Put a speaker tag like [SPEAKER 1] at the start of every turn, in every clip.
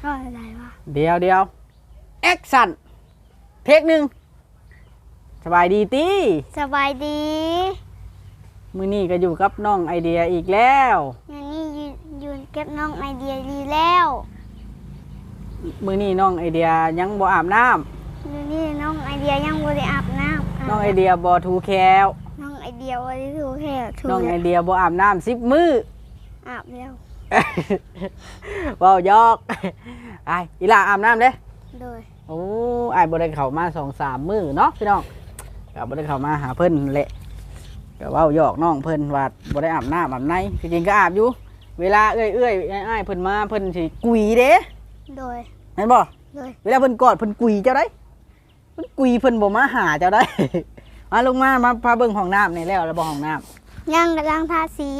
[SPEAKER 1] ก็อะไรวะ
[SPEAKER 2] เดี๋ยวแอคชั่นเทคหนึ่งสบายดีตี
[SPEAKER 1] สบายดี
[SPEAKER 2] มื้อนี้ก็อยู่กับน้องไอเดียอีกแล้ว
[SPEAKER 1] งานนี้ยืนเก็บน้องไอเดียดีแล้ว
[SPEAKER 2] มื้อนี้น้องไอเดียยังบ่อาบน้ำ
[SPEAKER 1] งานนี้น้องไอเดียยังบ่ได้อาบน้ำ
[SPEAKER 2] น้องไอเดียบ่ถูแคว
[SPEAKER 1] น้องไอเดียบ่ได้ถูแค่ถู
[SPEAKER 2] น้องไอเดียบ่อาบน้ำ10 มื้อ
[SPEAKER 1] อาบแล้ว
[SPEAKER 2] เว้ายอกไอ้อีหล่าอาบน้ำเด้
[SPEAKER 1] โดย
[SPEAKER 2] โอ้ไอ้บ่ได้เข้ามา 2-3 มื้อเนาะพี่น้องก็บ่ได้เข้ามาหาเพิ่นแหละก็เว้ายอกน้องเพิ่นว่าบ่ได้อาบน้ำอาบในจริงๆก็อาบอยู่เวลาเอื้อยๆอ้ายๆเพิ่นมาเพิ่นสิกุยเด้
[SPEAKER 1] โดย
[SPEAKER 2] เห็นบ่
[SPEAKER 1] โดย
[SPEAKER 2] เวลาเพิ่นกอดเพิ่นกุยเจ้าได้เพิ่นกุยเพิ่นบ่มาหาเจ้าได้ มาลงมาพาเบิ่งห้องน้ำนี่แล้วบ่ห้องน้ำ
[SPEAKER 1] ยังกำลังทาสี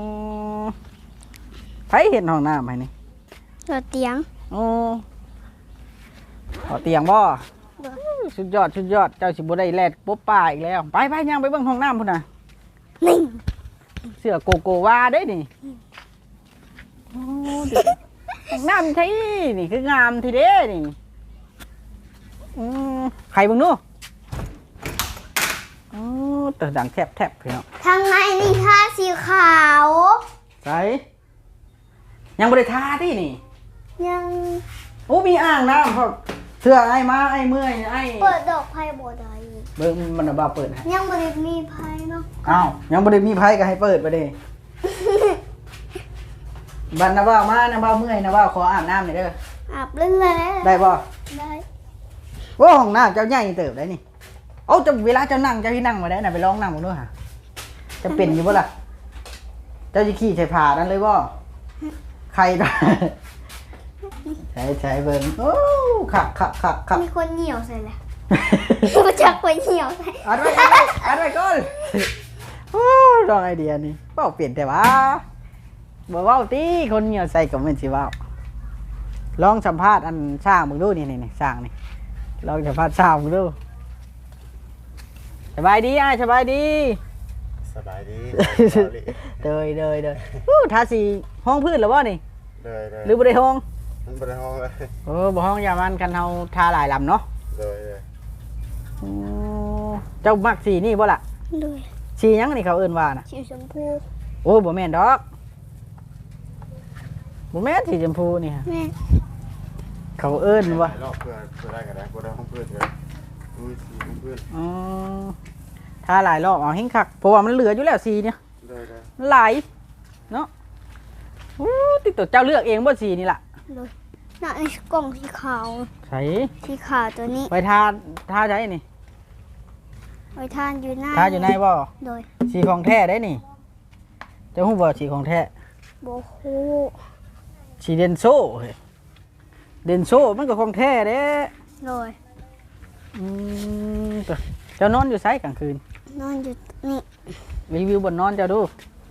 [SPEAKER 2] ไผเห็นห้องน้ำให้นี่
[SPEAKER 1] ตัวเตียง
[SPEAKER 2] ขอเตียงบ่สุดยอดเจ้าสิบ่ได้แลดปุ๊บป้าอีกแล้วไปย่างไปเบิ่งห้องน้ำพุ่นน่ะ
[SPEAKER 1] นี่
[SPEAKER 2] เสื้อโกโกวาเด้นี่ห้องน้ำใช่นี่คืองามทีเด้นี่ใครเบิ่งดูแต่ดังแทบพี่น้อง
[SPEAKER 1] ทางในนี่ทาสีขาว
[SPEAKER 2] ใส่ยังบ่ได้ทาตินี่
[SPEAKER 1] ยัง
[SPEAKER 2] โอ้มีอ่างน้ำพอเสื้อไอ้มาไอ้เมื่อยไอ้
[SPEAKER 1] เปิดดอกไผ่บ่ได้
[SPEAKER 2] เบิ่งมันบ่เปิดให้
[SPEAKER 1] ยังบ่ได้มีไผ่เนาะ
[SPEAKER 2] อ้าวยังบ่ได้มีไผก็ให้เปิดไปเด้ บัดนะว่ามานะว่าเมื่อยนะว่าขออาบน้ำหน่อยเด้อ
[SPEAKER 1] อาบเล่นแล้ว
[SPEAKER 2] ได้บ่
[SPEAKER 1] ได้
[SPEAKER 2] ว่าห้องน้ำเจ้าใหญ่เติบได้นี่เอาจะเวลาเจ้านั่งเจ้าที่นั่งมาได้น่ะไปลองนั่งมาด้วยฮะจะเป็นอยู่บ่ล่ะเจ้าจะขี่ใส่ผ้านั่นเลยบ่ใครตาใช้เบิ่งโอ้ขัก
[SPEAKER 1] มีคนเหนียวใส่แหละมาจากคนเหนียวใส่
[SPEAKER 2] อัดไว้ก่อนโอ้ลองไอเดียนี่เป้าเปลี่ยนแต่ว่าบ่เว้าติคนเหนียวใส่ก็ไม่สิเว้าลองสัมภาษณ์อันช่างมึงดูนี่ช่างนี่ลองสัมภาษณ์ช่างมึงดูสบายดีสบายดีเดยทาสีห้องพื้นหรือว่านี่หรือบ่ได้ห้อง
[SPEAKER 3] บ่ได้ห้องเลย
[SPEAKER 2] บ่ห้องอย่ามันกันเฮาทาหลายลำเนาะเจ้ามักสีนี่บ่ล่ะสีหยังนี่เขาเอิ้นว่าน่ะ
[SPEAKER 1] สีชมพู
[SPEAKER 2] โอ้บ่แม่นดอกบ่แม่นสีชมพูนี่ฮะเขาเอิ้นว่า
[SPEAKER 3] รอบเพื่อได้กันได้บ่ได้ห้องเพื่อนเลยสีห้องเพื่อน
[SPEAKER 2] ทาหลายรอบเอาให้คักเพราะว่ามันเหลืออยู่แล้วสีเนี่ยหลายเนาะติดตัวเจ้าเลือกเองบ่สีนี่ล่ะ
[SPEAKER 1] น่ะไอ้กล่องสีขาว
[SPEAKER 2] ใช่
[SPEAKER 1] สีขาวตัวนี้
[SPEAKER 2] ไปทาใช้นี่
[SPEAKER 1] ไปทานอยู่ใน
[SPEAKER 2] บ่
[SPEAKER 1] โดย
[SPEAKER 2] สีของแท้ได้นี่เจ้าฮู้บ่สีของแท้
[SPEAKER 1] บ่ฮู้
[SPEAKER 2] สีเดนโซมันก็ของแท้เด้
[SPEAKER 1] โดย
[SPEAKER 2] เจ้านอนอยู่ไสกลางคืน
[SPEAKER 1] นอนอยู่นี่
[SPEAKER 2] รีวิวบ่นอนเจ้าดู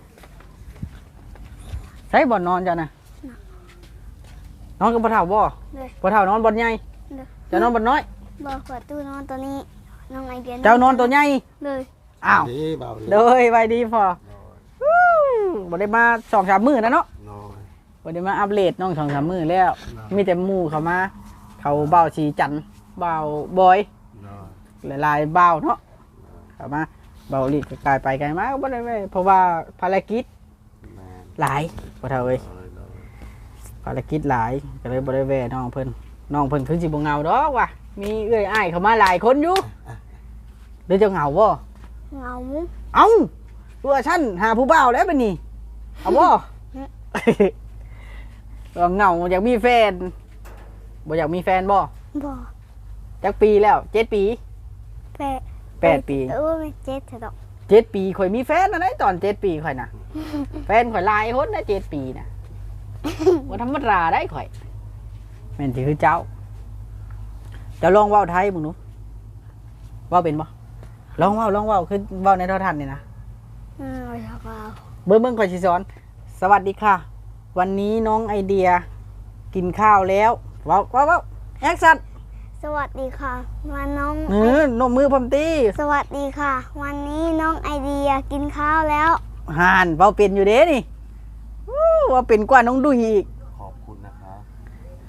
[SPEAKER 2] ใช้บ่นอนเจ้านะนอนกับบ่เฒ่าบ่บ่เฒ่านอนบ่ใหญ่เจ้านอนบ่น้อย
[SPEAKER 1] บ่ขอตู้นอนตัวนี้น้องไอเดีย
[SPEAKER 2] เจ้านอนตัวใหญ่
[SPEAKER 1] เลย
[SPEAKER 2] อ้าวเลยไว้ดีพอบ่ได้มา 2-3 มื้อนะเนาะบ่ได้มาอัปเดตน้อง 2-3 มื้อแล้วมีแต่หมู่เข้ามาเขาเบาสีจันเบาบอยหลายๆเบาเนาะเข้ามาเบาลีกกลายไปไกลมาบ่ได้เพราะว่าภารกิจหลายบ่เท่าเอ้ยภารกิจหลายก็เลยบ่ได้แวะน้องเพิ่นคือสิบ่เหงาดอกว่ะมีเอื้อยอ้ายเข้ามาหลายคนอยู่หรือจะเหงาบ่
[SPEAKER 1] เหงา
[SPEAKER 2] เอ้าตัวฉันหาผู้บ่าวแล้วบัดนี้เอาบ่เหงาอยากมีแฟนบ่อยากมีแฟนบ่จักปีแล้ว7 ปี8 ปี
[SPEAKER 1] ไม่7เถอะดอก
[SPEAKER 2] 7 ปีข่อยมีแฟนนะได้ตอน7 ปีข่อยน่ะแฟนข่อยหลายคนนะ7 ปีน่ะบ่ธรรมดาได้ข่อยแม่นสิคือเจ้าลองเว้าไทยมึงหนูเว้าเป็นบ่ลองเว้าคือเว้าในโทรทัศน์นี่นะเบิ่งข่อยสิสอนสวัสดีค่ะวันนี้น้องไอเดียกินข้าวแล้วเว้าแอคชั่น
[SPEAKER 1] สวัสดีค่ะวันน้อง
[SPEAKER 2] นมมือพร้อมตี
[SPEAKER 1] สวัสดีค่ะวันนี้น้องไอเดียกินข้าวแล้ว
[SPEAKER 2] ห่านเว้าเป็นอยู่เด้นี่ว่าเป็นกว่าน้องดุยอีก
[SPEAKER 3] ขอบคุณนะคะ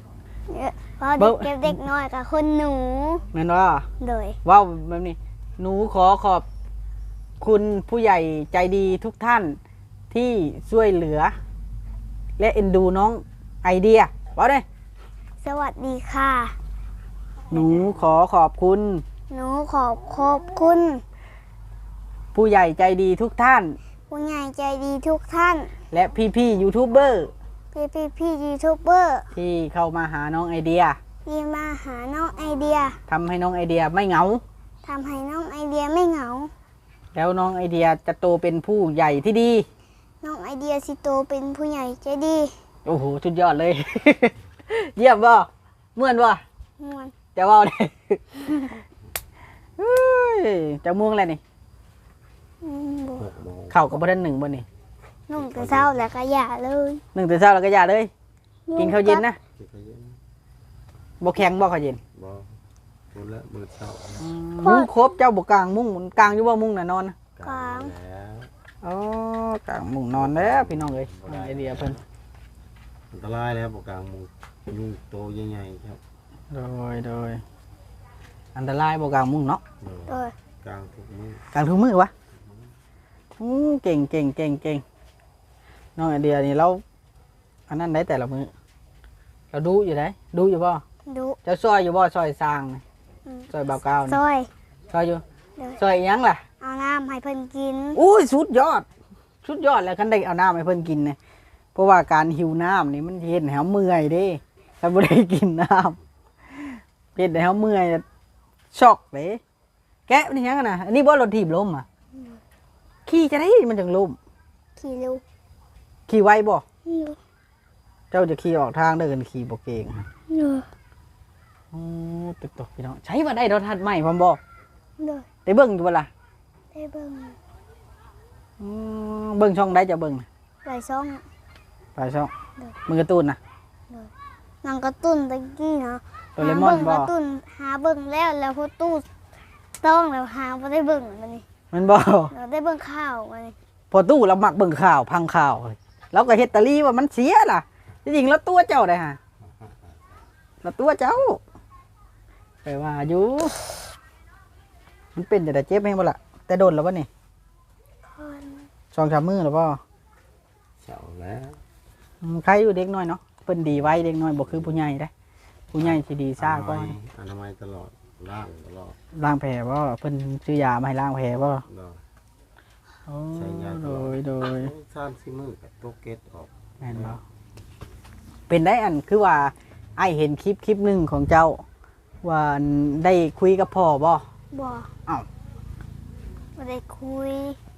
[SPEAKER 1] เพราะเด็กเก็บเด็กน้อยกับคนหนู
[SPEAKER 2] แม่นว่า
[SPEAKER 1] โดย
[SPEAKER 2] ว้าวแบบนี้หนูขอขอบคุณผู้ใหญ่ใจดีทุกท่านที่ช่วยเหลือ และเอ็นดูน้องไอเดียว่าได้
[SPEAKER 1] สวัสดีค่ะ
[SPEAKER 2] หนูขอขอบคุณ
[SPEAKER 1] หนูขอบคุณ
[SPEAKER 2] ผู้ใหญ่ใจดีทุกท่าน
[SPEAKER 1] ผู้ใหญ่ใจดีทุกท่าน
[SPEAKER 2] และพี่ๆยูทูบเบอร์
[SPEAKER 1] พี่ยูทูบเบอร์
[SPEAKER 2] ที่เข้ามาหาน้องไอเดีย
[SPEAKER 1] ที่มาหาน้องไอเดีย
[SPEAKER 2] ทำให้น้องไอเดียไม่เหงา
[SPEAKER 1] ทำให้น้องไอเดียไม่เหงา
[SPEAKER 2] แล้วน้องไอเดียจะโตเป็นผู้ใหญ่ที่ดี
[SPEAKER 1] น้องไอเดียสิโตเป็นผู้ใหญ่ใจดี
[SPEAKER 2] โอ้โหสุดยอดเลย เยี่ยมบ่เมื่อนบ่
[SPEAKER 1] ม่วน
[SPEAKER 2] จะว่าได้ เฮ้ยจะม่วงอะไรนี่
[SPEAKER 1] บ่
[SPEAKER 3] 6 โมง
[SPEAKER 2] เข่ากับบ่ทันหนึ่งบ่นี่
[SPEAKER 1] นุ่งแต่เช้าแล้วก็อย่าเลย
[SPEAKER 2] หนึ่งแต่เช้าแล้วก็อย่าเลย กินข้าวเย็นนะ
[SPEAKER 3] กินข้าวเย็น
[SPEAKER 2] บ่แข็งบ่ข้าวเย็น
[SPEAKER 3] บ่หมดแล้วมื้อเช้า
[SPEAKER 2] มุ้งครบเจ้าบ่กลางมุ้งกลางอยู่บ่มุ้งน่ะนอนนะ
[SPEAKER 3] กลางแล้ว
[SPEAKER 2] อ๋อกลางมุ้งนอนแล้วพี่น้องเอ้ยน้องไอเดียเพิ่น
[SPEAKER 3] อันตรายแล้วบ่กลางมุงยุงโตใหญ่ๆครับ
[SPEAKER 2] โดยอันตรายบ่กลางมุ้งเนาะ
[SPEAKER 1] โดย
[SPEAKER 3] กลางทุกมื้อก
[SPEAKER 2] ลางทุกมื้อวะเก่งน้องไอเดียนี่เราอันนั้นได้แต่ละมื้อเราดูอยู่ได้ดูอยู่บ่
[SPEAKER 1] ดุ
[SPEAKER 2] เจ้าซอยอยู่บ่ซอยสร้างนี่ซอยบ่าวกาว
[SPEAKER 1] ซ
[SPEAKER 2] นี่
[SPEAKER 1] อย
[SPEAKER 2] ซอยอยู่
[SPEAKER 1] เดี๋ยว
[SPEAKER 2] ซอยอิหยังล่ะ
[SPEAKER 1] เอาน้ำให้เพิ่นกิน
[SPEAKER 2] อุ้ยสุดยอดแล้วคันได้เอาน้ำให้เพิ่นกินเนี่ยเพราะว่าการหิวน้ำนี่มันเฮ็ดให้เฮาเมื่อยเด้ถ้าบ่ได้กินน้ำเฮ็ดให้เฮาเมื่อยช็อกเด้แกะนี่หยังอะนะอันนี้บ่รถถีบล้มอ่ะขี่จะได้มันจังล้ม
[SPEAKER 1] ขี่เร็ว
[SPEAKER 2] ขี่ไวบ่
[SPEAKER 1] เร็ว
[SPEAKER 2] เจ้าจะขี่ออกทางเดินขี่บ่เก่ง
[SPEAKER 1] เร็ว
[SPEAKER 2] โอ้ตึกตกพี่น้องใช้ว่าได้รถทัดใหม่พร้อมบ่
[SPEAKER 1] เร็ว
[SPEAKER 2] ได้เบิ่งอยู่บ่ล่ะ
[SPEAKER 1] ได้เบิ่ง
[SPEAKER 2] เบิ่งช่องได้จะเบิ่งน่ะ
[SPEAKER 1] ไหลซ่อง
[SPEAKER 2] ไปช่องมึงการ์ตูนน่ะ
[SPEAKER 1] หนังการ์ตูนตะกี้นะ
[SPEAKER 2] โดเรมอน
[SPEAKER 1] หา
[SPEAKER 2] บ่
[SPEAKER 1] เบิ่งการ์ตูนหาเบิ่งแล้วพอตู้ต้องแล้วหาบ่ได้เบิ่งมันนี่
[SPEAKER 2] มันบ่
[SPEAKER 1] เราได้เบิ่งข่าวมันนี่
[SPEAKER 2] พอตู้เรามักเบิ่งข่าวพังข่าวแล้วก็เฮ็ดตะลีว่ามันเสียล่ะจริงๆแล้วตัวเจ้าได้ฮะแล้วตัวเจ้าไปว่าอยู่มันเป็นแต่เจ็บแม่งบ่ล่ะแต่โดนแล้วบ่นี่
[SPEAKER 1] คน
[SPEAKER 2] 2-3 มื้อแล้วบ่
[SPEAKER 3] เช้าแล้ว
[SPEAKER 2] ใครอยู่เด็กน้อยเนาะเพิ่นดีไว้เด็กน้อยบ่คือผู้ใหญ่เด้ผู้ใหญ่สิดีซ่าก่อน
[SPEAKER 3] อนามัยตลอดล้างตลอด
[SPEAKER 2] ล้างแผลบ่เพิ่นซื้อยามาให้ล้างแผลบ่
[SPEAKER 3] เนาะ
[SPEAKER 2] โอ้
[SPEAKER 3] ใช้ยาต
[SPEAKER 2] โด
[SPEAKER 3] ลอด
[SPEAKER 2] ย
[SPEAKER 3] 3-4 มื้อก็ตกเก็ดออก
[SPEAKER 2] แม่นบ่เป็นได้อันคือว่าไอ้เห็นคลิปหนึงของเจ้า ว่าได้คุยกับพ่อบ่
[SPEAKER 1] บ่
[SPEAKER 2] อ้าว
[SPEAKER 1] บ่ได้คุย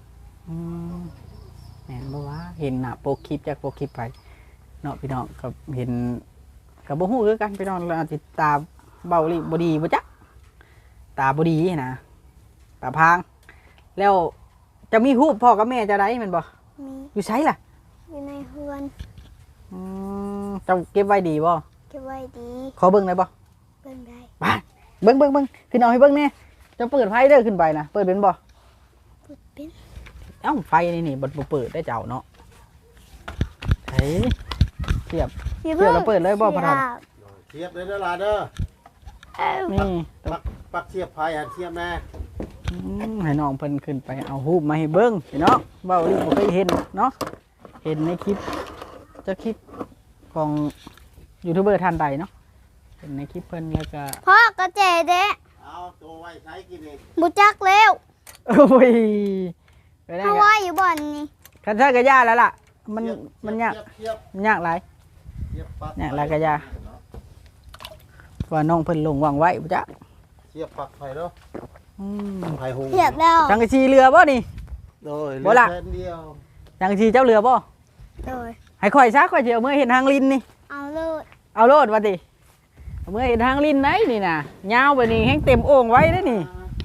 [SPEAKER 2] แม่นบ่วะเห็นน่ะโปกคลิปจากโปกคลิปไปเนาะพี่น้องก็เห็นกับบ่ฮู้คือกันพี่น้องเราอาจสิตาเบาหลีบ่ดีบ่จ๊ะตาบ่ดีนะตาพราง แล้วจะมีรูปพ่อกับแม่จะได้แม่นบ่
[SPEAKER 1] มี
[SPEAKER 2] อยู่ไสล่ะ
[SPEAKER 1] อยู่ในเฮือน
[SPEAKER 2] เจ้าเก็บไว้ดีบ่
[SPEAKER 1] เก็บไว้ดี
[SPEAKER 2] ขอเบิ่งได้บ่
[SPEAKER 1] เบิ่งได้
[SPEAKER 2] ไปเบิ่งขึ้นเอาให้เบิ่งแน่เจะเปิดไฟเด้อขึ้นไปนะเปิดเป็นบ่
[SPEAKER 1] เปิดเป็น
[SPEAKER 2] เอ้าไฟนี่บ่เปิดได้เจ้าเนาะเฮ้ยเทียบ
[SPEAKER 1] อย่า
[SPEAKER 2] เดี๋ยวเราเปิดเลยบ่พระธาตุ
[SPEAKER 3] เทียบเลยเด้อล่ะเด้อ
[SPEAKER 1] เอ้า
[SPEAKER 2] นี่
[SPEAKER 3] ปักเทียบพายเทียบแม่
[SPEAKER 2] ให้น้องเพิ่นขึ้นไปเอารูปมาให้เบิ่งพี่น้องเว้าลิบ่เคยเห็นเนาะเห็นในคลิปจะคลิปของยูทูบเบอร์ท่านใดเนาะเห็นในคลิปเพิ่นแล้วก็
[SPEAKER 1] พ่อกระเจเด้
[SPEAKER 3] เอาตัวไว้ใช้กินเอง
[SPEAKER 1] บ่จักแล้ว
[SPEAKER 2] โอ้ยไปได้
[SPEAKER 1] เพราะ
[SPEAKER 2] ก็
[SPEAKER 1] ว่าอยู่บ่อนนี่
[SPEAKER 2] คันใช้ก็ยากแล้วล่ะมันยาก
[SPEAKER 3] เทียบ
[SPEAKER 2] มันยากหลาย
[SPEAKER 3] เทียบปัก
[SPEAKER 2] เนี่ยแล้วก็ยา ว่าน้องเพิ่นลงวางไว้บ่จ๊ะ
[SPEAKER 3] เทียบปักไฟเด้อไฟหง
[SPEAKER 1] เทียบแล้ว
[SPEAKER 2] จังกะชีเรือบ่นี่
[SPEAKER 3] โดย
[SPEAKER 2] บ่ล่ะ
[SPEAKER 3] แค่เดียว
[SPEAKER 2] จังกะชีเจ้าเรือบ่
[SPEAKER 1] โดย
[SPEAKER 2] ให้ข่อยซะข่อยสิเอามื่อเห็นทางลินนี่
[SPEAKER 1] เอาเลย
[SPEAKER 2] เอาโลดว่าติเอามื่อเห็นทางลินไหนนี่น่ะยาวไปนี่แฮงเต็มโอ่งไว้เด้อนี่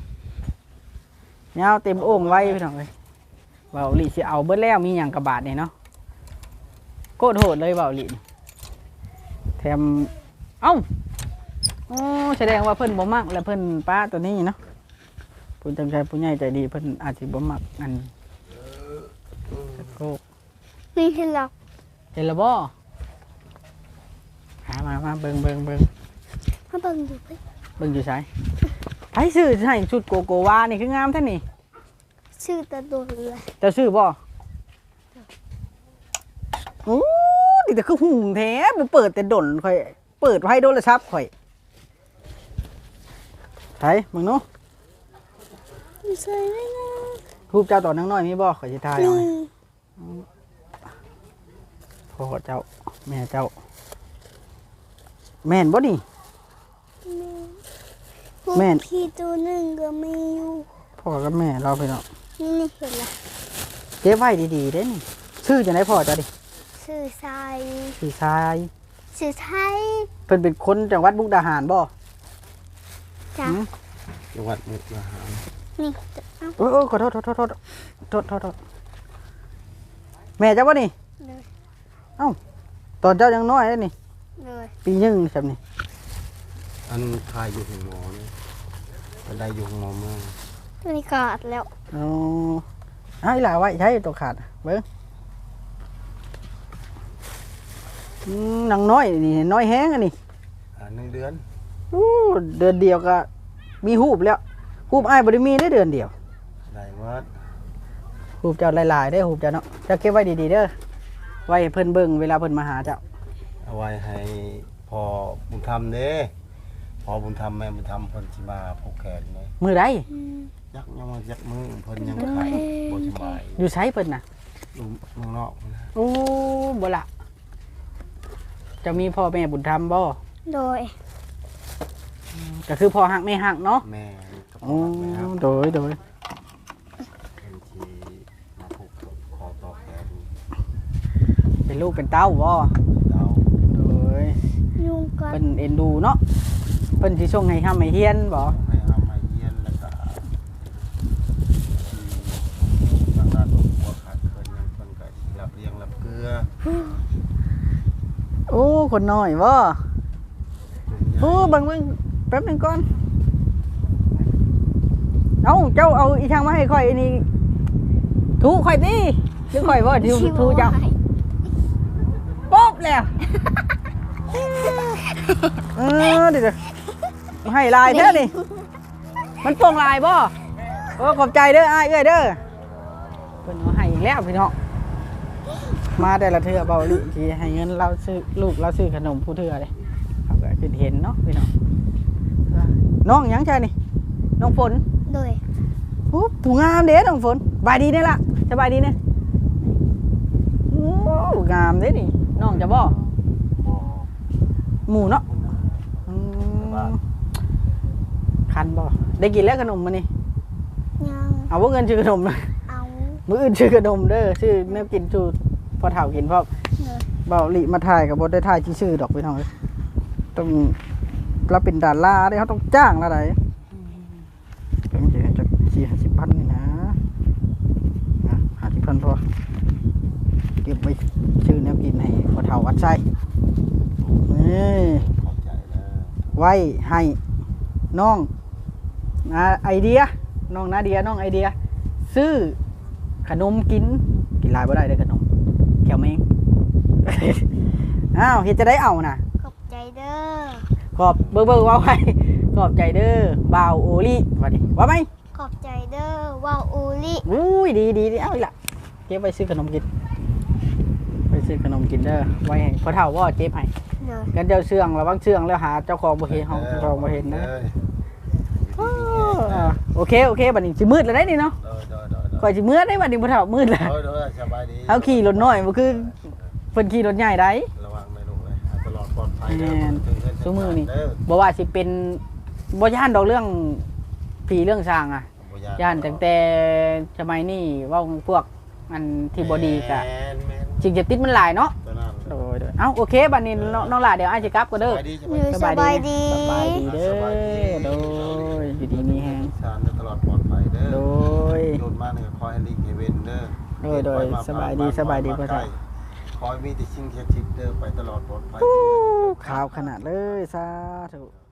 [SPEAKER 2] ยาวเต็มโอ่งไว้พี่น้องเอ้ยเว้าลิสิเอาเบิดแล้วมีหยังกระบาดนี่เนาะโคตรโหดเลยเว้าลินี่แถมเอ้าโอ้แสดงว่าเพิ่นบ่มักและเพิ่นป้าตัวนี้เนาะผู้จังใจผู้ใหญ่ใจดีเพิ่นอาจสิบ่มักอันโคก
[SPEAKER 1] นี่คือเรา
[SPEAKER 2] เห็นแล้วบ่หามามาเบิ่ง
[SPEAKER 1] มาเบิ่งอยู่เพิ่น
[SPEAKER 2] เบิ่งอยู่ไสไผซื้อให้ชุดโกโกวานี่คืองามแท้นี่
[SPEAKER 1] ชื่อตะโดนเลย
[SPEAKER 2] เจ้าซื้อบ่โอ้นี่แต่คือหุ่งแท้บ่เปิดแต่ดนข่อยเปิดไว้โทรศัพท์ข่อยไผมึงเนาะ
[SPEAKER 1] ใส่ได้นะ
[SPEAKER 2] รูปเจ้าตอนน้อยๆมีบ่ข่อยสิถ่ายเอา
[SPEAKER 1] นี่
[SPEAKER 2] ให้พ่อเจ้าแม่เจ้า แม่นบ่นี่ แม่น
[SPEAKER 1] พี่ตัวหนึ่งก็มีอยู่
[SPEAKER 2] พ่อกับแม่เราไปเนาะ
[SPEAKER 1] นี่เห็นละ
[SPEAKER 2] เก็บไว้ดีๆเด้นี่ชื่อจังได๋พ่อเจ้าดิ
[SPEAKER 1] ชื่อทราย
[SPEAKER 2] ชื่อชาย
[SPEAKER 1] ชื่อไทย
[SPEAKER 2] เพิ่นเป็นคนจังหวัดมุกดาหารบ่
[SPEAKER 1] จ้ะ
[SPEAKER 2] หืม
[SPEAKER 3] จังหวัดมุกดาหาร
[SPEAKER 1] นี่เอ้า
[SPEAKER 2] โอ้ยขอโทษแม่เจ้าบ่นี่
[SPEAKER 1] เลย
[SPEAKER 2] ตอนเจ้ายังน้อยเด้นี่
[SPEAKER 1] เลย
[SPEAKER 2] ปีหนึ่งใช่ไหม
[SPEAKER 3] อันทายอยู่ของหมอนี่เป็นได้อยู่ของหมอเมือง
[SPEAKER 1] ตัวนี้ขาดแล้ว
[SPEAKER 2] อ๋อให้หลาไว้ใช้ตัวขาดเบิ้งนางน้อยนี่น้อยแห้งอันนี้
[SPEAKER 3] 1 เดือน
[SPEAKER 2] อู้เดือนเดียวก็มีหูบแล้วหูบอ้ายบ่ได้มีได้เดือนเดียว
[SPEAKER 3] ได้วัด
[SPEAKER 2] หูบเจ้าหลายๆได้อหูบเจ้าเนาะเจ้าเก็บไว้ดีๆเด้อไว้ให้เพิ่นเบิ่งเวลาเพิ่นมาหาเจ้า
[SPEAKER 3] เอาไว้ให้พอบุญธรรมเด้พอบุญธรรมแม่บุญธรรมเพิ่นสิมาผูกแขนเลย
[SPEAKER 2] มือใด
[SPEAKER 3] ยักยังมายักมือเพิ่นยังไข้บ่สบาย
[SPEAKER 2] อยู่ไสเพิ่นน่ะ
[SPEAKER 3] อยู่เมืองนอกนะ
[SPEAKER 2] โอ้บ่ละเจะมีพ่อแม่บุญธรรมบ่
[SPEAKER 1] โดย
[SPEAKER 2] ก็คือพ่อฮักแม่ฮักเนาะ
[SPEAKER 3] แม่กับ
[SPEAKER 2] โอ้
[SPEAKER 3] พ่อแม่ครับ
[SPEAKER 2] โดย
[SPEAKER 3] เพิ่นสิมาผูกคอต่อแขน
[SPEAKER 2] เป็นลูกเป็นเต้าบ่
[SPEAKER 3] เดา
[SPEAKER 2] โดย
[SPEAKER 1] ยุงกัด
[SPEAKER 2] เพิ่นเอ็นดูเนาะเพิ่นสิส่งให้ห้ำให้เฮียนบ่
[SPEAKER 3] ให้เอามาเยียนแล้วก็ทางด้านของหัวขาดเพิ่นยังเพิ่นก็สิรับเลี้ยงรับเกลือ
[SPEAKER 2] โอ้คนน้อยบ่
[SPEAKER 3] เพิ่น
[SPEAKER 2] โอ้เบังแป๊บหนึงก่อน เอาเจ้าเอาอีทางมาให้ข่อยอันนี้ถูข่อยติหรือข่อยบ่ที่ถูเจ้าป๊อบแล้วเดี๋ยวๆให้ลายแท้นี่มันโป่งลายบ่โอ้ขอบใจเด้ออ้ายเอ้ยเด้อเพิ่นเอาให้อีกแล้วพี่น้องมาแต่ละเทื่อเบาลิที่ให้เงินเราซื้อลูกเราซื้อขนมผู้เทื่อเลยเขาก็คือเห็นเนาะพี่น้องน้องหยังใช่นี่น้องฝน
[SPEAKER 1] โดย
[SPEAKER 2] โอ้ผู้งามเด้น้องฝนสบายดีเนี่ยล่ะสบายดีเนี่ยโอ้งามเด้นี่น้องจะบ่
[SPEAKER 3] บ่
[SPEAKER 2] หมูเนาะ
[SPEAKER 3] คุณนะ
[SPEAKER 2] อืมคันบ่ได้กินแล้วขนมมานี่
[SPEAKER 1] ยัง
[SPEAKER 2] เอาว่าเงินชื่อขนมนะ
[SPEAKER 1] เอา
[SPEAKER 2] มื้ออื่นชื่อขนมเด้อชื่อแนวกินชูพอเฒ่ากินพร้อม
[SPEAKER 1] เลย
[SPEAKER 2] เบาหลีมาถ่ายกับบ่ได้ถ่ายชื่อดอกพี่น้องเอ้ยต้องเราเป็นดาราเด้เขาต้องจ้างละไดเป็นจะ40,000นี่นะ50,000พอเก็บไว้ชื่อแนวกินให้พอเฒ่าวัดไส้นี่
[SPEAKER 3] ขอบใจแล้ว
[SPEAKER 2] ไว้ให้น้องไอเดียน้องนาเดียน้องไอเดีย ซื้อขนมกินหลายบ่ได้เด้อขนมแก้วแมง อ้าวเฮ็ดจะได้เอาน่ะ
[SPEAKER 1] ขอบใจเด้อ
[SPEAKER 2] ขอบเบิ่งว่าไว้ขอบใจเด้อบ่าวโอลิว่าดิว่าไหม
[SPEAKER 1] ขอบใจเด้อว่าวอูลิ
[SPEAKER 2] อุ้ยดีเอาอีกละเก็บไว้ซื้อขนมกินไปซื้อขนมกินเด้อไว้ให้พ่อเฒ่าว่าเก็บให้
[SPEAKER 1] เลย
[SPEAKER 2] กันเจ้าเชื่องระวังเชื่องแล้วหาเจ้าของบ่เห็นเฮาเจ้าของบ่เห็นนะ โอเคบัดนี้สิมืดแล้วได้นี่เนาะก่อนสิมืดได้บัดนี้บ่เฒ่ามืดแล้ว
[SPEAKER 3] สบายดี
[SPEAKER 2] เอาขี่รถน้อยบ่คือเพิ่นขี่รถใหญ่ได้
[SPEAKER 3] ระวังไม่ลงเลยตลอดปลอดภัย
[SPEAKER 2] แม่นซุมื้อนี่บ่ว่าสิเป็นบ่ย่านดอกเรื่องผีเรื่องสร้างอ่ะย่านตั้งแต่สมัยนี้เว้าพวกอันที่บ่ดีก็สิ่งเสพติดมันหลายเนาะโดยเอ้าโอเคบัดนี้น้องหล่าเดี๋ยวอ้ายสิกลับก็เด้อ
[SPEAKER 1] สบายดี
[SPEAKER 2] สบายดีเด้อโดยอยู่ดีมีแฮง
[SPEAKER 3] สารตลอดปลอดภัยเด้อ
[SPEAKER 2] โดย
[SPEAKER 3] โดนมาเนี่ยคอยให้ลิงเฮเวนเด้อ
[SPEAKER 2] โดยสบายดีพ่อเฒ่า
[SPEAKER 3] คอยมีแต่สิ่งเท็จเด้อไปตลอดปลอดภัย
[SPEAKER 2] ขาวขนาดเลยสาธุ